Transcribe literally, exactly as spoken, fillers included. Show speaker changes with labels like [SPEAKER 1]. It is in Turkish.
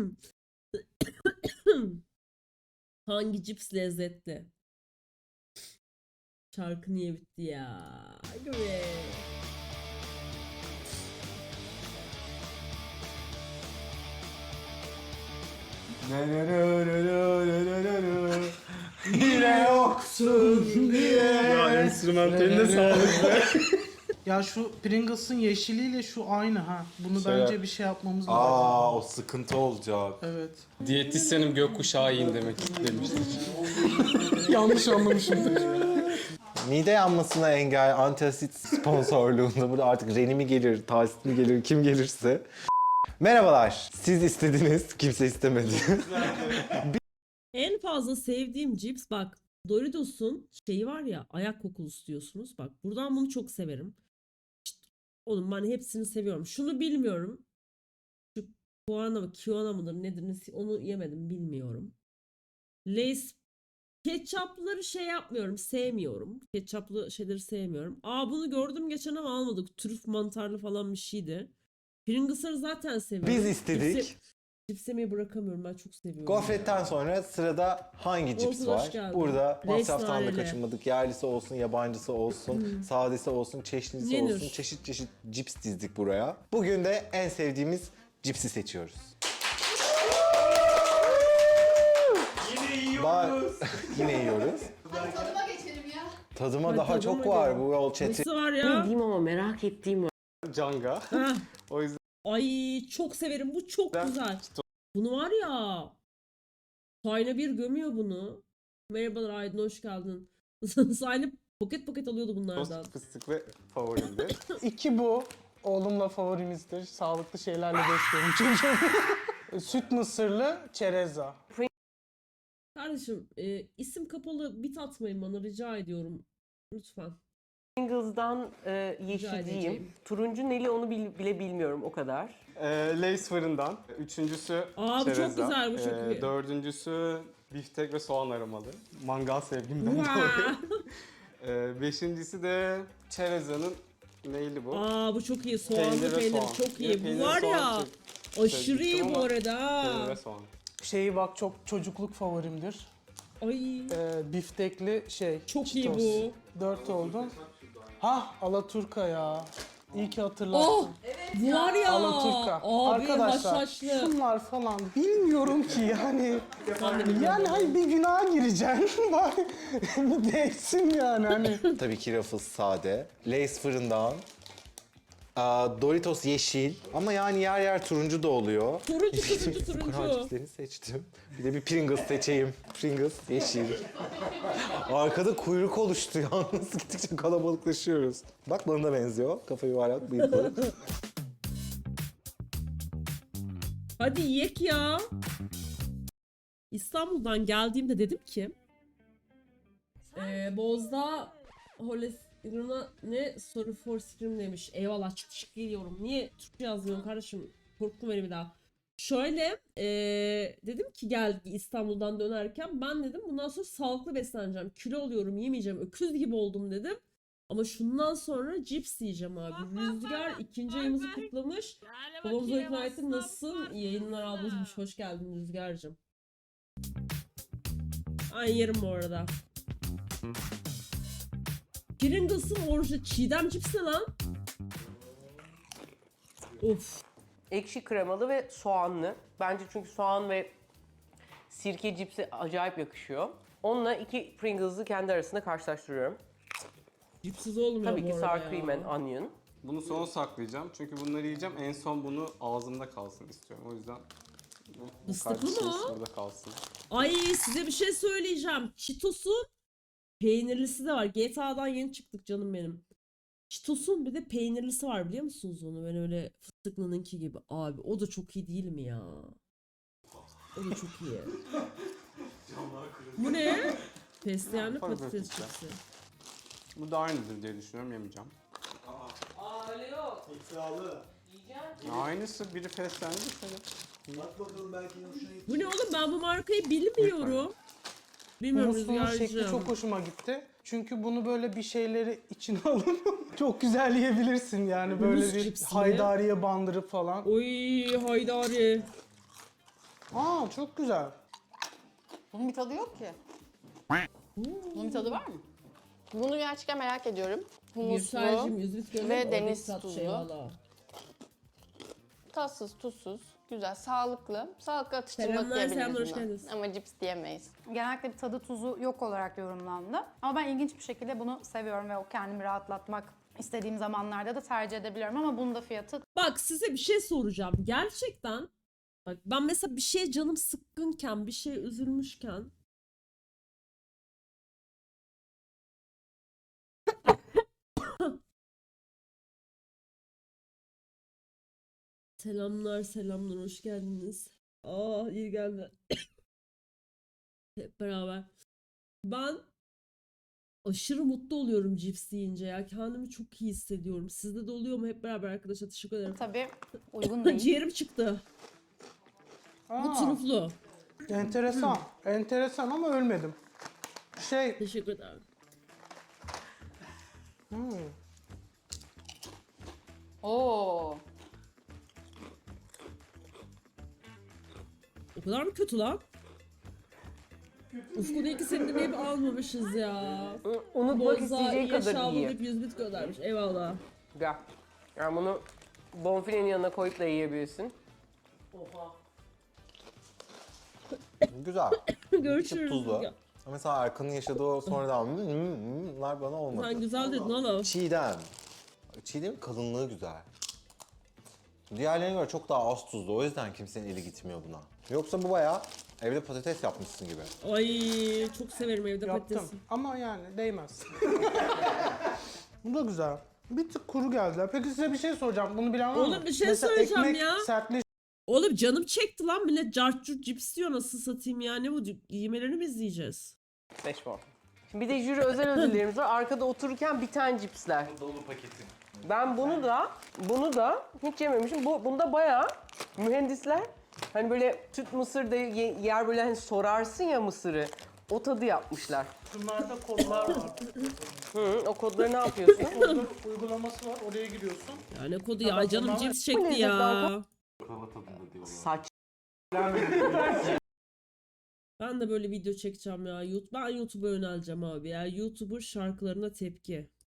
[SPEAKER 1] Hangi cips lezzetli? Şarkı niye bitti ya? Hadi be.
[SPEAKER 2] Yine yoksun diye.
[SPEAKER 3] Ya enstrümantaline sağlık be.
[SPEAKER 2] Ya şu Pringles'ın yeşiliyle şu aynı ha. Bunu
[SPEAKER 3] Şey
[SPEAKER 2] bence
[SPEAKER 3] yap-
[SPEAKER 2] bir şey yapmamız lazım.
[SPEAKER 4] Aa, o sıkıntı olacak.
[SPEAKER 2] Evet.
[SPEAKER 3] Diyetisyenim gökkuşağı yiyin demek demiştir.
[SPEAKER 2] Yanlış anlamışımdır.
[SPEAKER 4] Mide yanmasına engel antasit sponsorluğunda burada artık Reni mi gelir, Tahsit mi gelir, kim gelirse. Merhabalar. Siz istediniz, kimse istemedi.
[SPEAKER 1] En fazla sevdiğim cips bak. Doritos'un şeyi var ya, ayak kokulusu diyorsunuz. Bak buradan bunu çok severim. İşte, oğlum ben hepsini seviyorum. Şunu bilmiyorum. Şu Kuana mı, Kiona mıdır nedir nesi- onu yemedim bilmiyorum. Lay's ketçapları şey yapmıyorum, sevmiyorum. Ketçaplı şeyleri sevmiyorum. Aa bunu gördüm geçen ama almadık. Trüf mantarlı falan bir şeydi. Pringles'ları zaten seviyorum.
[SPEAKER 4] Biz istedik.
[SPEAKER 1] Cipsi, cips yemeyi bırakamıyorum, ben çok seviyorum.
[SPEAKER 4] Gofretten sonra sırada hangi cips
[SPEAKER 1] Olsun, hoş
[SPEAKER 4] var?
[SPEAKER 1] geldin.
[SPEAKER 4] Burada
[SPEAKER 1] Reis
[SPEAKER 4] masraftan da
[SPEAKER 1] nareli.
[SPEAKER 4] kaçınmadık. Yerlisi olsun, yabancısı olsun, sadesi olsun, çeşnisi
[SPEAKER 1] Yenir.
[SPEAKER 4] olsun. Çeşit çeşit cips dizdik buraya. Bugün de en sevdiğimiz cipsi seçiyoruz.
[SPEAKER 3] Yine
[SPEAKER 4] yiyoruz. Yine yiyoruz.
[SPEAKER 5] Hadi tadıma geçelim ya.
[SPEAKER 4] Tadıma
[SPEAKER 1] Hadi
[SPEAKER 4] daha
[SPEAKER 1] tadıma
[SPEAKER 4] çok
[SPEAKER 1] gel.
[SPEAKER 4] var bu yol çeti.
[SPEAKER 1] Nesi var ya?
[SPEAKER 6] Bildiğim ama merak ettiğim var.
[SPEAKER 3] Canga.
[SPEAKER 1] Heh.
[SPEAKER 3] O yüzden
[SPEAKER 1] Ay çok severim. Bu çok
[SPEAKER 3] Ben-
[SPEAKER 1] güzel. Bunu var ya. Sayna bir gömüyor bunu. Merhabalar Aydın, hoş geldin. Sayna poket poket alıyordu bunlardan.
[SPEAKER 3] tost fıstıklı favorimdir.
[SPEAKER 2] İki bu. Oğlumla favorimizdir. Sağlıklı şeylerle besliyorum çocuğumu. Süt mısırlı çereza.
[SPEAKER 1] Kardeşim e, isim kapalı bit atmayın bana rica ediyorum. Lütfen.
[SPEAKER 6] Pringles'dan e,
[SPEAKER 1] Rica
[SPEAKER 6] yeşilciyim.
[SPEAKER 1] edeceğim.
[SPEAKER 6] Turuncu neli onu bil- bile bilmiyorum o kadar.
[SPEAKER 3] Ee, Lay's fırından. Üçüncüsü
[SPEAKER 1] Aa, bu çok
[SPEAKER 3] çereza.
[SPEAKER 1] güzel, bu çok iyi.
[SPEAKER 3] Dördüncüsü biftek ve soğan aromalı. Mangal sevgimden
[SPEAKER 1] Wow.
[SPEAKER 3] dolayı. Ee, beşincisi de çerezanın neyli bu?
[SPEAKER 1] Aa bu çok iyi. Soğanlı
[SPEAKER 3] Peynir ve
[SPEAKER 1] peynir,
[SPEAKER 3] soğan.
[SPEAKER 1] çok
[SPEAKER 3] Yine
[SPEAKER 1] iyi.
[SPEAKER 3] peynir,
[SPEAKER 1] Bu var
[SPEAKER 3] soğan
[SPEAKER 1] ya
[SPEAKER 3] çok
[SPEAKER 1] aşırı iyi
[SPEAKER 3] sevmiştim
[SPEAKER 1] bu
[SPEAKER 3] ama
[SPEAKER 1] arada.
[SPEAKER 3] Peynir ve soğan.
[SPEAKER 2] Şeyi bak çok çocukluk favorimdir.
[SPEAKER 1] Ay
[SPEAKER 2] Ee, biftekli şey.
[SPEAKER 1] çok iyi
[SPEAKER 2] Cheetos.
[SPEAKER 1] bu.
[SPEAKER 2] Dört oldu. Hah Alaturka ya. İyi ki hatırlattın.
[SPEAKER 1] Oh! Bu var ya.
[SPEAKER 2] Alaturka.
[SPEAKER 1] Abi
[SPEAKER 2] Arkadaşlar
[SPEAKER 1] haşhaşlı.
[SPEAKER 2] şunlar falan bilmiyorum ki yani.
[SPEAKER 1] Ben de bilmiyorum.
[SPEAKER 2] Yani hayır bir günaha gireceksin. Bari bir değsin yani hani.
[SPEAKER 4] Tabii ki Ruffles sade. Lay's fırından. Aa, Doritos yeşil ama yani yer yer turuncu da oluyor.
[SPEAKER 1] Turuncu turuncu
[SPEAKER 4] Kur'an
[SPEAKER 1] turuncu.
[SPEAKER 4] cipslerini seçtim. Bir de bir Pringles seçeyim. Pringles yeşil. Arkada kuyruk oluştu yalnız gittikçe kalabalıklaşıyoruz. Bak bana da benziyor. Kafa yuvarlak, bıyıklı.
[SPEAKER 1] Hadi yek ya. İstanbul'dan geldiğimde dedim ki eee Bozda Holesiruna ne soru for scream demiş. Eyvallah çık çık geliyorum. Niye Türkçe yazmıyorum kardeşim? Korktum beni bir daha. Şöyle eee, dedim ki gel İstanbul'dan dönerken ben dedim bundan sonra sağlıklı besleneceğim. Kilo oluyorum yemeyeceğim. Öküz gibi oldum dedim. Ama şundan sonra cips yiyeceğim abi. Rüzgar ikinci ayımızı kutlamış. Babamıza ikna ettim. Nasılsın? İyi yayınlar ablacığım. Hoş geldin Rüzgar'cığım. Ay yerim bu arada. Pringles'ın orijinal çiğdem cips ne lan? Of.
[SPEAKER 6] Ekşi kremalı ve soğanlı. Bence çünkü soğan ve sirke cipsi acayip yakışıyor. Onunla iki Pringles'ı kendi arasında karşılaştırıyorum.
[SPEAKER 1] Cipsiz olmuyor
[SPEAKER 6] Tabii
[SPEAKER 1] bu
[SPEAKER 6] ki
[SPEAKER 1] arada
[SPEAKER 6] sour
[SPEAKER 1] ya.
[SPEAKER 6] cream and onion.
[SPEAKER 3] Bunu sona saklayacağım çünkü bunları yiyeceğim. En son bunu ağzımda kalsın istiyorum. O yüzden bu, bu
[SPEAKER 1] Fıstıklı
[SPEAKER 3] kardeşimiz
[SPEAKER 1] mı?
[SPEAKER 3] burada kalsın.
[SPEAKER 1] Ay size bir şey söyleyeceğim. Cheetos'un peynirlisi de var. G T A'dan yeni çıktık canım benim. Cheetos'un bir de peynirlisi var biliyor musunuz onu? Ben öyle fıstıklınınki gibi. Abi o da çok iyi değil mi ya? O da çok iyi. Bu ne? Fesleğenli
[SPEAKER 3] Pardon,
[SPEAKER 1] patates
[SPEAKER 3] pizza.
[SPEAKER 1] çipsi.
[SPEAKER 3] Bu da aynıdır diye düşünüyorum. Yemeyeceğim.
[SPEAKER 6] Aa öyle yok.
[SPEAKER 3] Aynısı biri fesleğenli bir
[SPEAKER 1] Bu ne oğlum ben bu markayı bilmiyorum. Bilmiyorum
[SPEAKER 2] Bunun sunum şekli
[SPEAKER 1] Rüzgar'cığım.
[SPEAKER 2] çok hoşuma gitti. Çünkü bunu böyle bir şeyleri içine alıp çok güzel yiyebilirsin yani böyle
[SPEAKER 1] Humus
[SPEAKER 2] bir
[SPEAKER 1] cipsi.
[SPEAKER 2] haydariye bandırıp falan.
[SPEAKER 1] Oy haydari.
[SPEAKER 2] Aa çok güzel.
[SPEAKER 5] Bunun bir tadı yok ki. Bunun bir tadı var mı? Bunu gerçekten merak ediyorum.
[SPEAKER 1] Gülser'cim
[SPEAKER 5] Humuslu,
[SPEAKER 1] yüz bit gönder.
[SPEAKER 5] ve
[SPEAKER 1] oradaki
[SPEAKER 5] deniz
[SPEAKER 1] tat
[SPEAKER 5] tuzu.
[SPEAKER 1] şey valla.
[SPEAKER 5] tatsız, tuzsuz, güzel, sağlıklı. Sağlıklı atıştırmalık
[SPEAKER 1] Selamlar,
[SPEAKER 5] diyebiliriz
[SPEAKER 1] selamlar, hoş
[SPEAKER 5] buna.
[SPEAKER 1] geldiniz.
[SPEAKER 5] Ama cips diyemeyiz.
[SPEAKER 7] Genellikle bir tadı tuzu yok olarak yorumlandı. Ama ben ilginç bir şekilde bunu seviyorum ve o kendimi rahatlatmak istediğim zamanlarda da tercih edebiliyorum. Ama bunun da fiyatı
[SPEAKER 1] Bak size bir şey soracağım. Gerçekten bak ben mesela bir şeye canım sıkkınken, bir şeye üzülmüşken Selamlar, selamlar, hoş geldiniz. Aa, iyi geldi. Hep beraber. Ben aşırı mutlu oluyorum cips yiyince ya. Kendimi çok iyi hissediyorum. Sizde de oluyor mu? Hep beraber arkadaşlar teşekkür ederim.
[SPEAKER 7] tabii uygun değil.
[SPEAKER 1] Ciğerim çıktı. Bu
[SPEAKER 2] Aa,
[SPEAKER 1] truflu.
[SPEAKER 2] enteresan. Enteresan ama ölmedim. Şey,
[SPEAKER 1] Teşekkür ederim.
[SPEAKER 5] Oo.
[SPEAKER 1] O kadar mı kötü lan? Ufkun iki seni dinleyip almamışız ya.
[SPEAKER 6] Unutmak
[SPEAKER 1] Boza
[SPEAKER 6] isteyeceğin
[SPEAKER 1] iyi
[SPEAKER 6] kadar
[SPEAKER 1] yaşa
[SPEAKER 6] iyi.
[SPEAKER 1] deyip yüz bit göndermiş. Eyvallah.
[SPEAKER 6] Gel. Yani bunu bonfilenin yanına koyup da yiyebilirsin.
[SPEAKER 4] Güzel.
[SPEAKER 1] Görüşürüz.
[SPEAKER 4] Tuzlu.
[SPEAKER 1] Ya,
[SPEAKER 4] Mesela Erkan'ın yaşadığı o sonradan "Hmm, hmm, hmm" bunlar bana olmadı.
[SPEAKER 1] sen güzel dedin oğlum.
[SPEAKER 4] Çiğdem. Çiğdem'in kalınlığı güzel. Diğerlerine göre çok daha az tuzlu. O yüzden kimsenin eli gitmiyor buna. Yoksa bu bayağı evde patates yapmışsın gibi.
[SPEAKER 1] Ay çok severim evde
[SPEAKER 2] yaptım.
[SPEAKER 1] patatesi.
[SPEAKER 2] Ama yani değmez. Bu da güzel. Bir tık kuru geldi. Peki size bir şey soracağım. Bunu bilen var mı?
[SPEAKER 1] Oğlum bir şey
[SPEAKER 2] Mesela
[SPEAKER 1] söyleyeceğim
[SPEAKER 2] ekmek
[SPEAKER 1] ya.
[SPEAKER 2] sertleşince
[SPEAKER 1] Oğlum canım çekti lan millet cart curt cips diyor nasıl satayım ya ne bu yemelerini mi izleyeceğiz?
[SPEAKER 6] Beş puan. Şimdi bir de jüri özel ödüllerimiz var. Arkada otururken biten cipsler.
[SPEAKER 4] Dolu paketim.
[SPEAKER 6] Ben bunu da, bunu da hiç yememişim. Bu, bunda bayağı mühendisler hani böyle tüt mısır da ye- yer böyle hani sorarsın ya mısırı. O tadı yapmışlar.
[SPEAKER 2] şunlarda kodlar var.
[SPEAKER 6] Hı, o kodları ne yapıyorsun?
[SPEAKER 2] Kodun uygulaması var. Oraya giriyorsun.
[SPEAKER 1] Ya ne kodu ya
[SPEAKER 2] Tamam,
[SPEAKER 1] canım
[SPEAKER 2] tamam.
[SPEAKER 1] cips
[SPEAKER 6] Bu
[SPEAKER 1] çekti
[SPEAKER 6] lezzet
[SPEAKER 1] ya.
[SPEAKER 6] banka-
[SPEAKER 3] Krava tadında diyorlar.
[SPEAKER 6] Saç.
[SPEAKER 1] Ben de böyle video çekeceğim ya. YouTube- Ben YouTube'a yöneleceğim abi ya. YouTuber şarkılarına tepki.